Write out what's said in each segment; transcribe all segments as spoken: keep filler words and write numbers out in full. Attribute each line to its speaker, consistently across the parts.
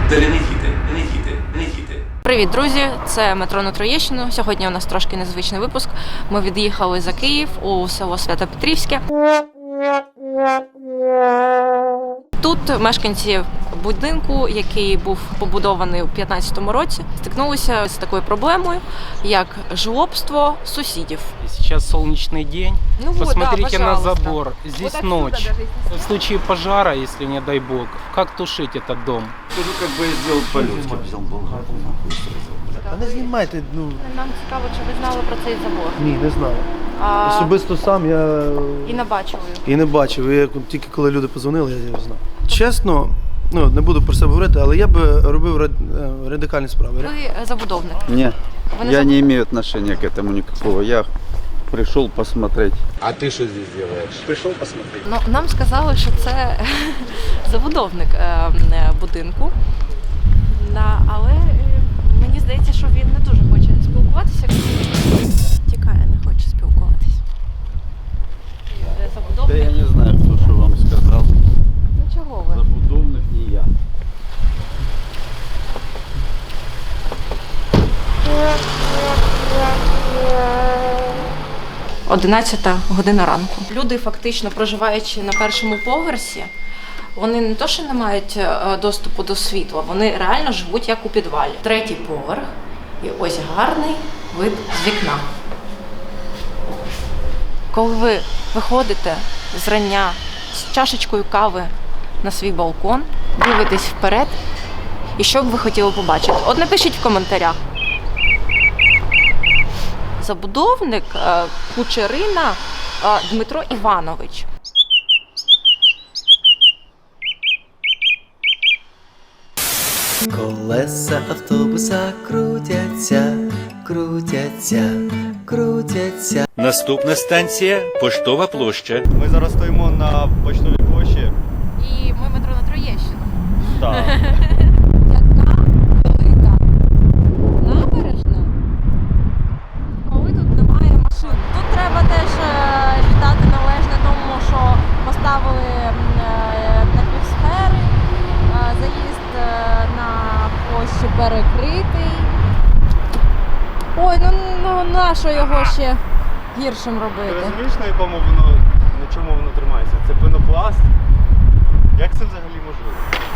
Speaker 1: Далі не їде, не їде, не їде.
Speaker 2: Привіт, друзі! Це метро на Троєщину. Сьогодні у нас трошки незвичний випуск. Ми від'їхали за Київ у село Свято-Петрівське. Тут мешканці будинку, який був побудований у п'ятнадцятому році, стикнулися з такою проблемою, як жлобство сусідів.
Speaker 3: Сейчас солнечный день.
Speaker 2: Ну вот,
Speaker 3: Посмотрите
Speaker 2: да,
Speaker 3: на
Speaker 2: пожалуйста.
Speaker 3: забор. Здесь
Speaker 2: Вот
Speaker 3: ночь. В случае пожара, если не дай бог, как тушить этот дом?
Speaker 4: Скажу, как бы я сделал по-людски. Взял болгарку, нахуй, сразу.
Speaker 5: Та не знімайте, ну
Speaker 2: Нам цікаво, чи ви знали про цей забор.
Speaker 5: ні, не знаю.
Speaker 2: А...
Speaker 5: Особисто сам я
Speaker 2: І не бачили.
Speaker 5: і не бачив. Я тільки коли люди позвонили, я його знав. Чесно, ну не буду про це говорити, але я би робив рад- радикальні справи.
Speaker 2: Ви забудовник.
Speaker 4: Не,
Speaker 2: Вы на
Speaker 4: я
Speaker 2: заб-
Speaker 4: не имею отношения к этому никакого. Я пришел посмотреть.
Speaker 6: А ты что здесь делаешь? Пришел посмотреть.
Speaker 2: Ну, нам сказали, що це забудовник е, е, будинку. Да, але е, мені здається, що він не дуже хоче спілкуватися. Тікає, не хоче спілкуватися. Е,
Speaker 4: Да
Speaker 2: Забудовник.
Speaker 4: я не знаю, кто что вам сказал.
Speaker 2: Ну чого ви?
Speaker 4: Забудовник не я.
Speaker 2: одинадцята година ранку. Люди, фактично проживаючи на першому поверсі, вони не то, що не мають е, доступу до світла, вони реально живуть як у підвалі. Третій поверх, і ось гарний вид з вікна. Коли ви виходите зрання з чашечкою кави на свій балкон, дивитесь вперед, і що б ви хотіли побачити? От напишіть в коментарях. Забудовник е, Кучерина е, Дмитро Іванович.
Speaker 7: Колеса автобуса крутяться, крутяться, крутяться.
Speaker 8: Наступна станція – Поштова площа.
Speaker 9: Ми зараз стоїмо на Поштовій площі.
Speaker 2: І ми метро на Троєщину.
Speaker 9: Так.
Speaker 2: Яка велика набережна, коли тут немає машин. Тут треба теж е, віддати належне тому, що поставили м, е, напівсфери, е, заїзд е, на площу перекритий. Ой, ну, ну на що його ще гіршим
Speaker 9: Ти
Speaker 2: робити?
Speaker 9: розумієш, на якому воно, на чому воно тримається? Це пенопласт. Як це взагалі можливо?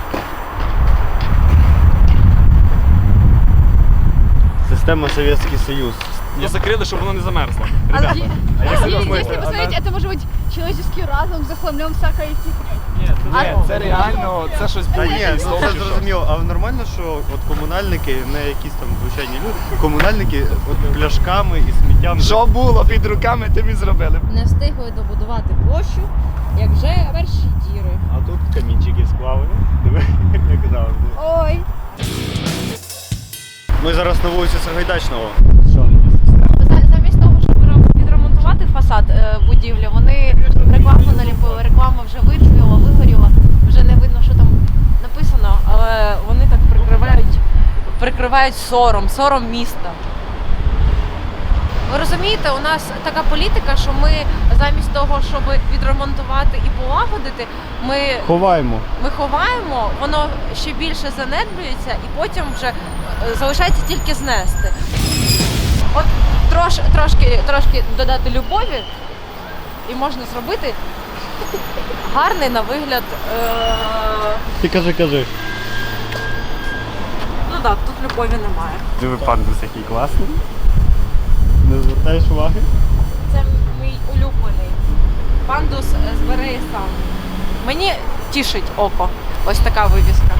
Speaker 9: Система Совєтський Союз.
Speaker 6: Не закрыли, чтобы оно не замерзло.
Speaker 9: А як ви
Speaker 10: Если
Speaker 9: думаєте?
Speaker 10: посмотреть, это может быть человеческий разум захламлен всякой фигней.
Speaker 6: Ні, це реально, це щось
Speaker 9: Та
Speaker 6: було.
Speaker 9: ні, ну це зрозуміло. А нормально, що от комунальники, не якісь там звичайні люди, комунальники от пляшками і сміттям.
Speaker 6: Що було під руками, тим і зробили.
Speaker 2: Не встигли добудувати площу, як вже перші діри.
Speaker 9: А тут камінчики сплавили. Диви, як завжди.
Speaker 10: Ой.
Speaker 9: Ми зараз на вулиці Сагайдачного.
Speaker 2: Замість того, щоб відремонтувати фасад е, будівлі, вони рекламу наліпили, реклама вже вицвіла, вигоріла, вже не видно, що там написано, але вони так прикривають, прикривають сором, сором міста. Ви розумієте, у нас така політика, що ми замість того, щоб відремонтувати і полагодити, ми,
Speaker 9: Ховаємо.
Speaker 2: ми ховаємо, воно ще більше занедбується і потім вже е, залишається тільки знести. От трош, трошки, трошки додати любові і можна зробити гарний на вигляд. Е...
Speaker 9: Ти кажи, кажи.
Speaker 2: Ну так, тут любові немає.
Speaker 9: Диви, пандус який класний. Не звертаєш уваги?
Speaker 2: Це мій улюблений. Пандус збере і сам. Мені тішить око. Ось така вивіска.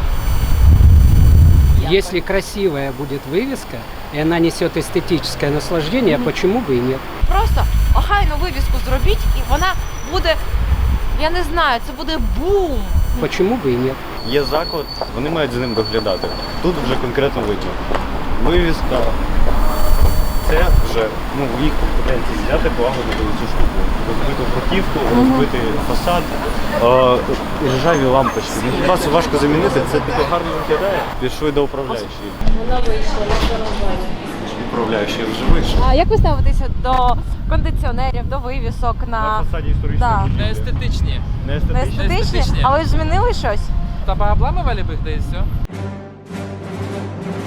Speaker 3: Если красивая будет вывеска, и она несет эстетическое наслаждение, почему бы и нет?
Speaker 2: Просто охайну вивіску зробіть, і вона буде, я не знаю, це буде бум.
Speaker 3: Почему бы и нет?
Speaker 9: Є заклад, вони мають за ним доглядати. Тут вже конкретно видно. Вивіска. Це вже ну, в їх компетенції взяти, полагодити цю штуку. Розбиту бруківку, розбитий фасад, е, ржаві лампочки. Ну, хіба це важко замінити, це таке гарно виглядає. Пішли до управляючої.
Speaker 2: Вона вийшла, на роботі.
Speaker 9: Управляючий вже вийшов.
Speaker 2: А як ви ставитеся до кондиціонерів, до вивісок на,
Speaker 9: На фасаді історичної
Speaker 2: Да.
Speaker 9: будівлі.
Speaker 6: Не естетичні.
Speaker 9: Не
Speaker 2: на
Speaker 9: естетичні.
Speaker 2: естетичні?
Speaker 6: естетичні.
Speaker 2: Але ж змінили щось?
Speaker 6: Та пообламывали бы их, да и все.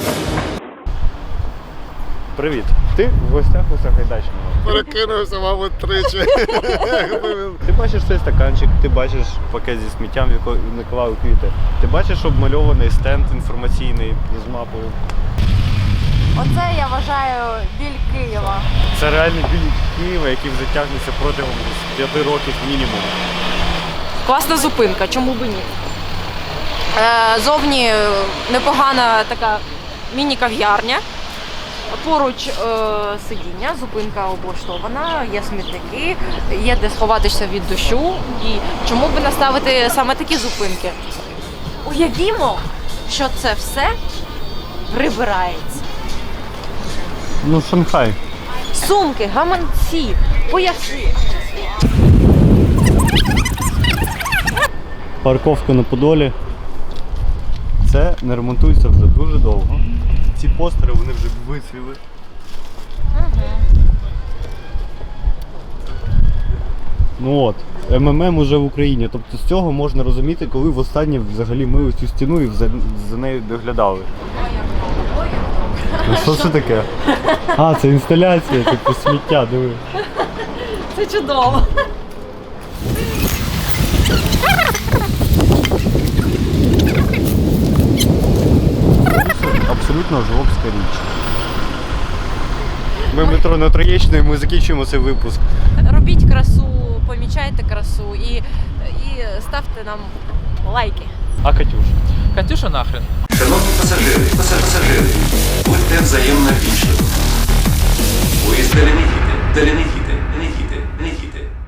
Speaker 9: Привіт. Ти в гостях у Сагайдачного.
Speaker 5: Перекинувся, мабуть, тричі.
Speaker 9: Ти бачиш цей стаканчик, ти бачиш пакет зі сміттям, в якому наклали квіти. Ти бачиш обмальований стенд інформаційний з мапою.
Speaker 2: Оце я вважаю біль Києва.
Speaker 9: Це реальний біль Києва, який вже тягнеться протягом п'яти років мінімум.
Speaker 2: Класна зупинка, чому б ні? Е, зовні непогана така міні-кав'ярня. Поруч е, сидіння, зупинка облаштована, є смітники, є де сховатися від дощу. І чому б наставити саме такі зупинки? Уявімо, що це все прибирається.
Speaker 9: Ну, Шанхай.
Speaker 2: Сумки, гаманці, пояси.
Speaker 9: Парковка на Подолі. Це не ремонтується вже дуже довго. Ці постери, вони вже вицвіли. Ну от, ем ем ем уже в Україні. Тобто з цього можна розуміти, коли востаннє взагалі мили цю стіну і за, за нею доглядали. А що це таке? А, це інсталяція, типу сміття, диви.
Speaker 2: Це чудово.
Speaker 9: Абсолютно жлобська річ. Ми в метро на Троєщині, ми закінчуємо цей випуск.
Speaker 2: Робіть красу, помічайте красу і, і ставте нам лайки.
Speaker 9: А Катюш?
Speaker 6: Катюша нахрен.
Speaker 1: Шановні пасажири, пасаж- пасажири, будьте взаємно вічливими. Поїзд далі не їде, далі не їде.